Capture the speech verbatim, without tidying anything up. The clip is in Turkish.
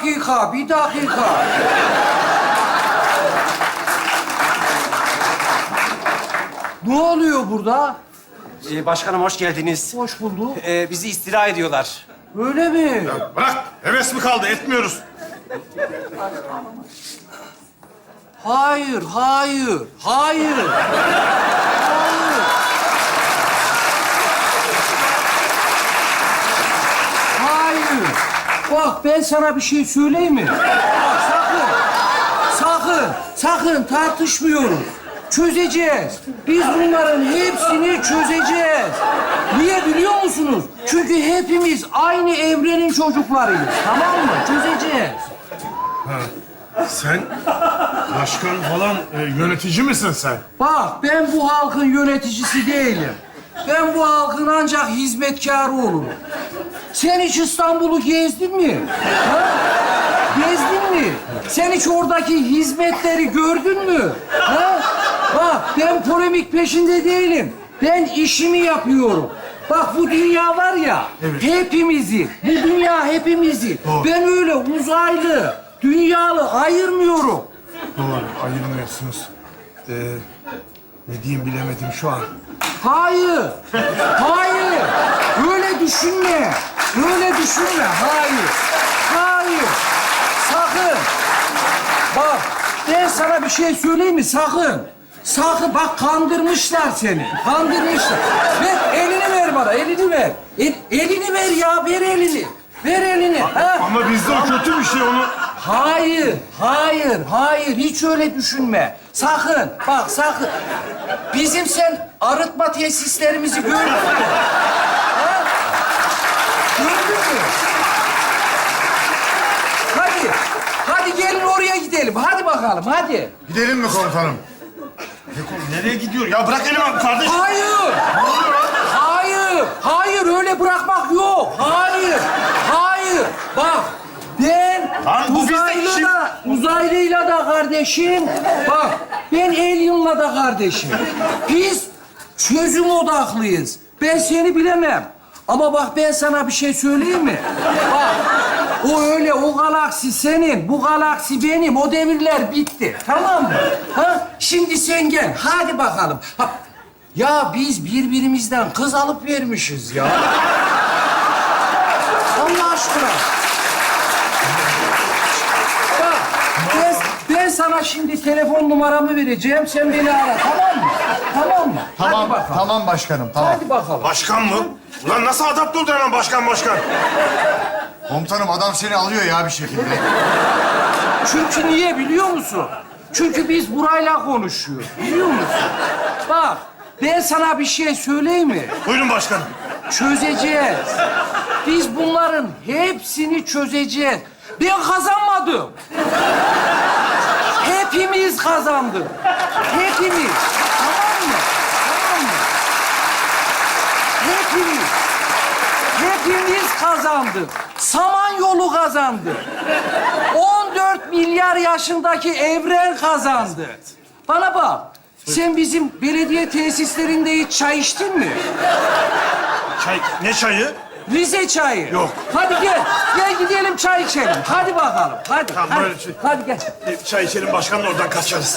dakika, bir dakika. Ne oluyor burada? Ee, başkanım hoş geldiniz. Hoş bulduk. Ee, bizi istila ediyorlar. Öyle mi? Bırak, heves mi kaldı? Etmiyoruz. Hayır, hayır, hayır. Hayır. Hayır. Bak ben sana bir şey söyleyeyim mi? Bak sakın, sakın, sakın tartışmıyoruz. Çözeceğiz. Biz bunların hepsini çözeceğiz. Niye biliyor musunuz? Çünkü hepimiz aynı evrenin çocuklarıyız. Tamam mı? Çözeceğiz. Sen başkan falan e, yönetici misin sen? Bak ben bu halkın yöneticisi değilim. Ben bu halkın ancak hizmetkarı olurum. Sen hiç İstanbul'u gezdin mi? Ha? Gezdin mi? Sen hiç oradaki hizmetleri gördün mü? Ha? Bak ben polemik peşinde değilim. Ben işimi yapıyorum. Bak bu dünya var ya, Evet. hepimizi, bu dünya hepimizi. Doğru. Ben öyle uzaylı, dünyalı ayırmıyorum. Doğru, ayırmıyorsunuz. Ee, ne diyeyim bilemedim şu an. Hayır, hayır. Öyle düşünme. Öyle düşünme. Hayır, hayır. Sakın. Bak, ben sana bir şey söyleyeyim mi? Sakın. Sakın. Bak kandırmışlar seni. Kandırmışlar. Ver, elini ver bana. Elini ver. El, elini ver ya. Ver elini. Ver elini. Ha? Ama bizde o kötü bir şey, onu... Hayır, hayır, hayır. Hiç öyle düşünme. Sakın, bak sakın. Bizim sen arıtma tesislerimizi gördün mü? Ha? Gördün mü? Hadi, hadi gelin oraya gidelim. Hadi bakalım, hadi. Gidelim mi komutanım? Ne kom- Nereye gidiyor? Ya bırak elimi kardeşim. Hayır, hayır, hayır. Öyle bırakmak yok. Hayır, hayır. Bak, ben Lan bu bizde uzaylı işim- da, uzaylıyla da kardeşim. Bak, ben alien'la da kardeşim. Biz çözüm odaklıyız. Ben seni bilemem. Ama bak ben sana bir şey söyleyeyim mi? Bak, o öyle, o galaksi senin, bu galaksi benim. O devirler bitti. Tamam mı? Ha? Şimdi sen gel. Hadi bakalım. Ha. Ya biz birbirimizden kız alıp vermişiz ya. Allah aşkına. Bak, ben, ben sana şimdi telefon numaramı vereceğim. Sen beni ara, tamam mı? Tamam mı? Tamam, Hadi bakalım. tamam başkanım, tamam. Hadi bakalım. Başkan mı? Ulan nasıl adapte oldu hemen başkan başkan? Komutanım adam seni alıyor ya bir şekilde. Çünkü niye biliyor musun? Çünkü biz burayla konuşuyoruz. Biliyor musun? Bak, ben sana bir şey söyleyeyim mi? Buyurun başkanım. Çözeceğiz. Biz bunların hepsini çözeceğiz. Ben kazanmadım. Hepimiz kazandık. Hepimiz. Tamam mı? Tamam mı? Hepimiz. Hepimiz kazandık. Samanyolu kazandı. on dört milyar yaşındaki evren kazandı. Bana bak. Sen bizim belediye tesislerinde hiç çay içtin mi? Çay, ne çayı? Rize çayı. Yok. Hadi gel. Gel gidelim çay içelim. Hadi bakalım. Hadi. Tamam, hadi. böyle şey- Hadi gel. E, çay içelim başkanla oradan kaçarız.